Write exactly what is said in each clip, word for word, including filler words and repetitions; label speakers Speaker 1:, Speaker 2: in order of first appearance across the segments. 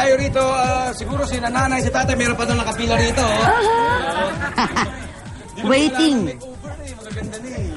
Speaker 1: tayo rito. Uh, siguro si nanay, si tatay, meron pa doon nakapila rito. Oh.
Speaker 2: Waiting.
Speaker 1: Magaganda na eh.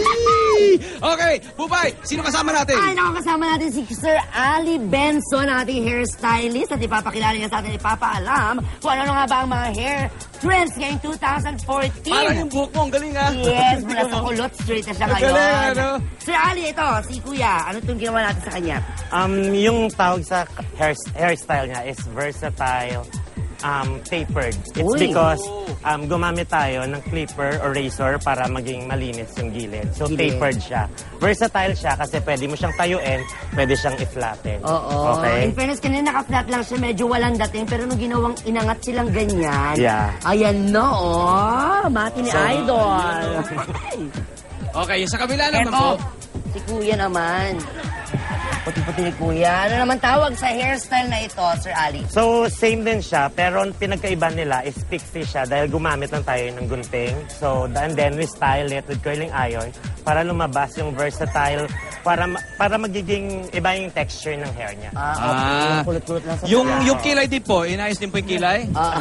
Speaker 1: Okay, Bubay, sino kasama natin?
Speaker 2: Ay, nakakasama natin si Sir Ali Benson, ating hairstylist, at ipapakilala niya sa atin, ipapaalam kung ano nga ba ang mga hair trends ngayong two thousand fourteen.
Speaker 1: Parang yung buhok mo, ang galing ha?
Speaker 2: Yes, mula sa kulot, straight na siya ngayon.
Speaker 1: Galing, ano?
Speaker 2: Sir Ali, ito, si Kuya, ano itong ginawa natin sa kanya?
Speaker 3: Um, yung tawag sa hair, hairstyle niya is versatile, um, tapered. It's
Speaker 2: Uy.
Speaker 3: because um, gumamit tayo ng clipper or razor para maging malinis yung gilid. So,
Speaker 2: Gilid.
Speaker 3: tapered siya. Versatile siya kasi pwede mo siyang tayuin, pwede siyang i-flatten.
Speaker 2: Oo.
Speaker 3: Okay?
Speaker 2: In fairness, kanina naka-flat lang siya, medyo walang dating, pero nung ginawang inangat silang ganyan,
Speaker 3: Yeah.
Speaker 2: ayan na, oh, mati ni
Speaker 1: So,
Speaker 2: Idol.
Speaker 1: Okay, yung sa kabila naman
Speaker 2: Eto,
Speaker 1: po.
Speaker 2: si Kuya naman. Puti-puti ni Kuya. Ano naman tawag sa hairstyle na ito, Sir Ali?
Speaker 3: So, same din siya, pero ang pinagkaiba nila is pixie siya dahil gumamit lang tayo ng gunting. So, and then we style it with curling iron para lumabas yung versatile, para ma- para magiging iba yung texture ng hair niya.
Speaker 2: Ah, okay.
Speaker 1: Ah,
Speaker 2: Kulot-kulot lang sa
Speaker 1: Yung,
Speaker 2: sila.
Speaker 1: yung kilay din po, inayos din po yung kilay?
Speaker 2: Ah.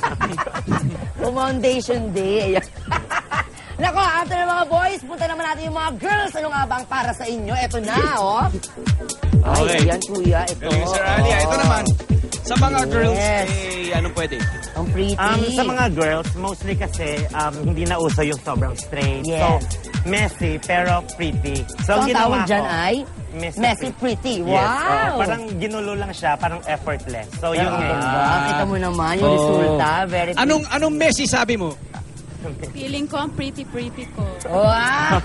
Speaker 2: Kung Foundation Day. Ayan. Nako, after ng mga boys, punta naman natin yung mga girls. Ano nga bang para sa inyo? Ito na, oh. Ay,
Speaker 1: Okay.
Speaker 2: ayan, Kuya. Ito.
Speaker 1: Galing, Sir Ali. Ah, ito naman. Sa mga
Speaker 2: Yes.
Speaker 1: girls, eh, anong pwede?
Speaker 2: Ang pretty.
Speaker 3: Um, sa mga girls, mostly kasi um, hindi na uso yung sobrang straight.
Speaker 2: Yes.
Speaker 3: So, messy pero pretty.
Speaker 2: So, ang
Speaker 3: ginawa
Speaker 2: tawag dyan
Speaker 3: ko,
Speaker 2: ay
Speaker 3: messy,
Speaker 2: messy pretty.
Speaker 3: Yes,
Speaker 2: Wow!
Speaker 3: oo. Parang ginulo lang siya, parang effortless. So,
Speaker 2: Yung
Speaker 3: yung
Speaker 2: ganda. Kita mo naman yung
Speaker 1: Oo.
Speaker 2: resulta. Very pretty.
Speaker 1: Anong, anong Messi sabi mo?
Speaker 4: Feeling ko ang pretty-pretty ko.
Speaker 2: Wow!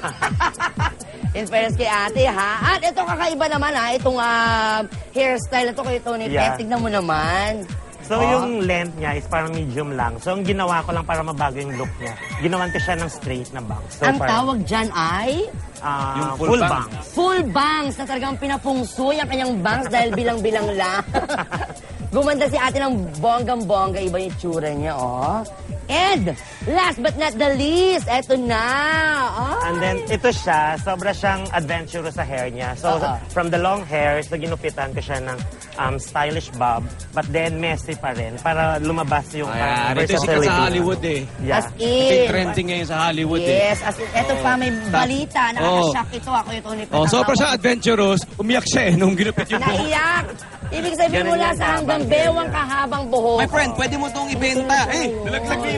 Speaker 2: In fairness kay ate, ha? At ito kakaiba naman, ha? Itong ah, hairstyle na ito kay Tony
Speaker 3: Yeah.
Speaker 2: Pet. Tignan mo naman.
Speaker 3: So,
Speaker 2: Oh.
Speaker 3: yung length niya is parang medium lang. So, ang ginawa ko lang para mabago yung look niya, ginawan ko siya ng straight na bangs. So,
Speaker 2: Ang
Speaker 3: parang,
Speaker 2: tawag dyan ay
Speaker 3: ah,
Speaker 1: Yung full
Speaker 3: full,
Speaker 1: bangs.
Speaker 3: bangs.
Speaker 2: full bangs na talagang pinapungsoy ang kanyang bangs dahil bilang-bilang lang. Gumanda si ate ng bonggang-bongga. Iba yung tsura niya, oh. And last but not the least, eto na. Oh.
Speaker 3: And then, ito siya, sobra siyang adventurous sa hair niya. So,
Speaker 2: Oo.
Speaker 3: from the long hair, so ginupitan ko siya ng um, stylish bob, but then messy pa rin, para lumabas yung
Speaker 1: Ayan,
Speaker 3: parang
Speaker 1: ito yung sikat
Speaker 3: versatility.
Speaker 1: sa Hollywood eh.
Speaker 3: Yeah.
Speaker 2: As
Speaker 1: Ito yung
Speaker 2: in.
Speaker 1: trending ngayon sa Hollywood eh.
Speaker 2: Yes, as in, eto pa, may balita. Nakaka-shock ito. Ako yung Tony Pet.
Speaker 1: Oh, sobra siya adventurous. Umiyak siya eh nung ginupit yung buhok.
Speaker 2: Naiyak. Ibig sabihin
Speaker 3: Ganun
Speaker 2: mula
Speaker 3: yan,
Speaker 2: sa hanggang
Speaker 3: kahabang
Speaker 2: bewang
Speaker 3: hair.
Speaker 2: kahabang buhok.
Speaker 1: My friend, pwede mo itong ibenta. Eh, nalaglag dito.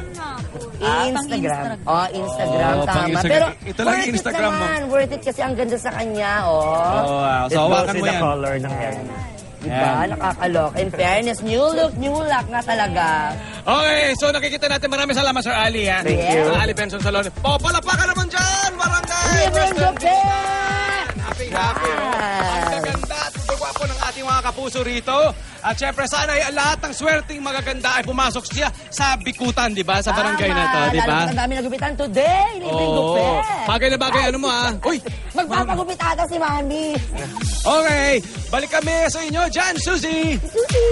Speaker 2: Instagram. Oh, Instagram,
Speaker 1: Oh, pang
Speaker 2: tama.
Speaker 1: Instagram.
Speaker 2: Pero
Speaker 1: Ito lang yung
Speaker 2: worth it
Speaker 1: Instagram mo.
Speaker 2: naman. Worth it kasi ang ganda sa kanya, oh.
Speaker 1: Oh, wow.
Speaker 3: It
Speaker 1: So,
Speaker 3: goes
Speaker 1: hawakan
Speaker 3: with
Speaker 1: mo
Speaker 3: the
Speaker 1: yan.
Speaker 3: color ng hair niya.
Speaker 2: Diba? Nakakalok. In fairness, new look, new luck na talaga.
Speaker 1: Okay, so nakikita natin. Maraming salamat, Sir Ali. Ha?
Speaker 3: Thank you.
Speaker 1: Sir Ali Benson Salon. Oh, palapakan naman dyan! Barangay!
Speaker 2: Libreng
Speaker 1: Western
Speaker 2: gabi!
Speaker 1: Happy, happy. Oh. Ang gaganda at gwapo ng ating mga kapuso rito. At syempre, sana ay lahat ng swerteng magaganda ay pumasok siya sa bikutan, di ba? Sa barangay na to, di ba?
Speaker 2: Lalo ang dami nagupitan today. Libreng
Speaker 1: Oo.
Speaker 2: gupit.
Speaker 1: Bagay na bagay, ano mo ha? Uy!
Speaker 2: Magpapagupit ata si Mami.
Speaker 1: Okay, balik kami sa inyo dyan, Suzy!
Speaker 2: Susi!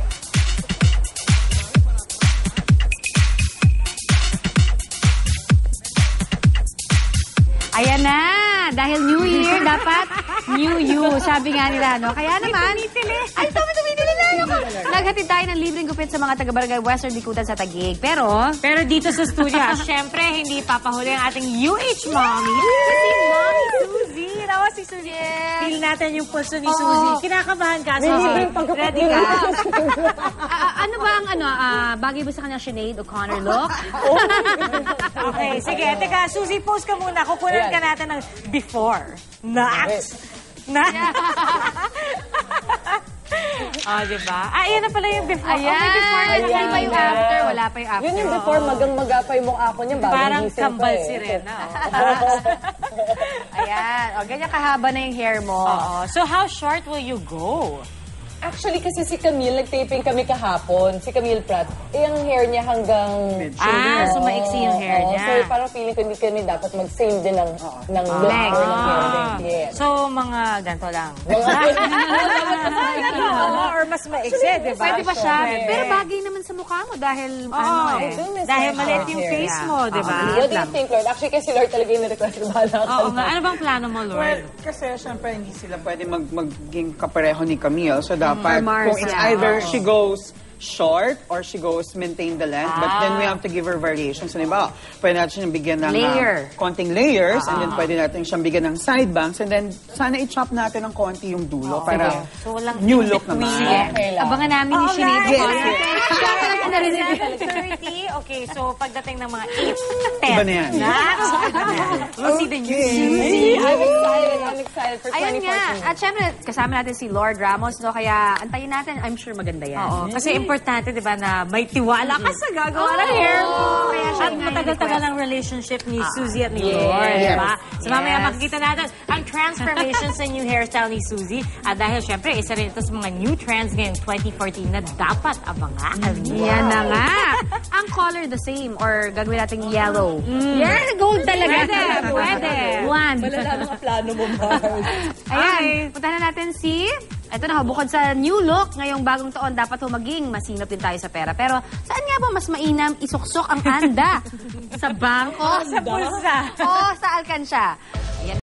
Speaker 5: Ayan na! Dahil New Year, dapat New You. Sabi nga nila, no? Kaya naman... Ay, sabi tumitili na ako. Naghatid tayo ng libreng gupit sa mga taga-barangay Western Bikutan sa Taguig. Pero...
Speaker 6: Pero dito sa studio, ah, syempre, hindi papahuli ang ating U H Mommy.
Speaker 5: Si Mommy Suzy! Tawa si Suzy.
Speaker 6: Feel natin yung pulso ni
Speaker 5: Oo.
Speaker 6: Suzy. Kinakabahan ka, Suzy. Ready ka?
Speaker 5: Ah, ano ba ang ano, ah, bagay ba sa kanya Sinead O'Connor look?
Speaker 6: Okay, sige. Teka, Suzy, pose ka muna. Kukunan ka natin ng before. Next. Na? Oh, diba? Ah, yan na pala yung before.
Speaker 5: Ayan!
Speaker 6: Oh, may before na
Speaker 5: Hindi
Speaker 6: naman
Speaker 5: pa yung
Speaker 6: na.
Speaker 5: after? Wala pa yung after.
Speaker 7: Yun yung before, magang-magapay mong ako niya. Bagong
Speaker 6: Parang
Speaker 7: gising pa
Speaker 6: kambal
Speaker 7: eh.
Speaker 6: si Rena.
Speaker 5: Ayan. O, ganyan kahaba na yung hair mo.
Speaker 6: Oo. So, how short will you go?
Speaker 7: Actually, kasi si Camille, nag-taping kami kahapon. Si Camille Pratt. Eh, ang hair niya hanggang...
Speaker 6: Ah, so maiksi yung hair
Speaker 7: Oo,
Speaker 6: niya.
Speaker 7: So, parang feeling ko hindi kami dapat mag-same din ng, ng look
Speaker 6: Length.
Speaker 7: or ng hair
Speaker 6: Ah.
Speaker 7: length. Yes.
Speaker 6: So, mga ganito lang.
Speaker 7: Mga
Speaker 6: Oo, or mas maiksi, di ba?
Speaker 5: Pwede ba siya?
Speaker 7: Pwede.
Speaker 5: Pero bagay naman sa mukha mo dahil
Speaker 6: Oo,
Speaker 5: ano eh.
Speaker 6: dahil maliit yung face mo, di ba?
Speaker 7: What do you think, Lord? Actually, kasi Lord talaga yung request ko. Bahala ka
Speaker 6: Oo
Speaker 7: na.
Speaker 6: nga, ano bang plano mo,
Speaker 8: Well,
Speaker 6: Lord?
Speaker 8: kasi syempre hindi sila pwede mag maging kapareho ni Camille. So dapat,
Speaker 5: Or Mars,
Speaker 8: kung it's
Speaker 5: yeah.
Speaker 8: either she goes short or she goes maintain the length. But then we have to give her variations. So, diba, pwede natin siyang bigyan ng
Speaker 5: Layer.
Speaker 8: uh, konting layers and then pwede natin siyang bigyan ng side bangs and then sana i-chop natin ng konti yung dulo para
Speaker 6: So, walang
Speaker 8: new look naman.
Speaker 7: Okay lang.
Speaker 5: Abangan namin yung Sinead
Speaker 8: Yes,
Speaker 5: Conte.
Speaker 8: yes.
Speaker 5: Ako narinig.
Speaker 6: thirty, okay, so pagdating ng mga eight, ten.
Speaker 8: Iba na yan.
Speaker 6: Next, we'll see the new
Speaker 7: I'm excited. I'm excited for
Speaker 5: Ayun
Speaker 7: twenty
Speaker 5: nga.
Speaker 7: fourteen.
Speaker 5: At syempre, kasama natin si Lord Ramos, no? Kaya antayin natin. I'm sure maganda yan.
Speaker 6: Oo, kasi importante, di ba, na may tiwala ka sa gagawa ng hair mo.
Speaker 5: Kaya siya
Speaker 6: At
Speaker 5: nga
Speaker 6: matagal-tagal
Speaker 5: request.
Speaker 6: ang relationship ni Suzy at ni Lord, di ba? So mamaya
Speaker 5: Yes.
Speaker 6: makikita natin ang transformation sa new hairstyle ni Suzy. At dahil syempre, isa rin ito sa mga new trends ngayong twenty fourteen na dapat abangan.
Speaker 5: Yan na nga. Ang color the same or gagawin natin yellow. Yes, gold talaga.
Speaker 6: Pwede, pwede.
Speaker 5: One.
Speaker 7: Malala mga plano mo, Mars.
Speaker 5: Ayan, puntahan na natin si... Ito na, bukod sa new look, ngayong bagong taon, dapat humaging masinop din tayo sa pera. Pero saan nga ba mas mainam isuksok ang anda? Sa bangko?
Speaker 6: Sa pulsa.
Speaker 5: O sa alkansya? Ayan.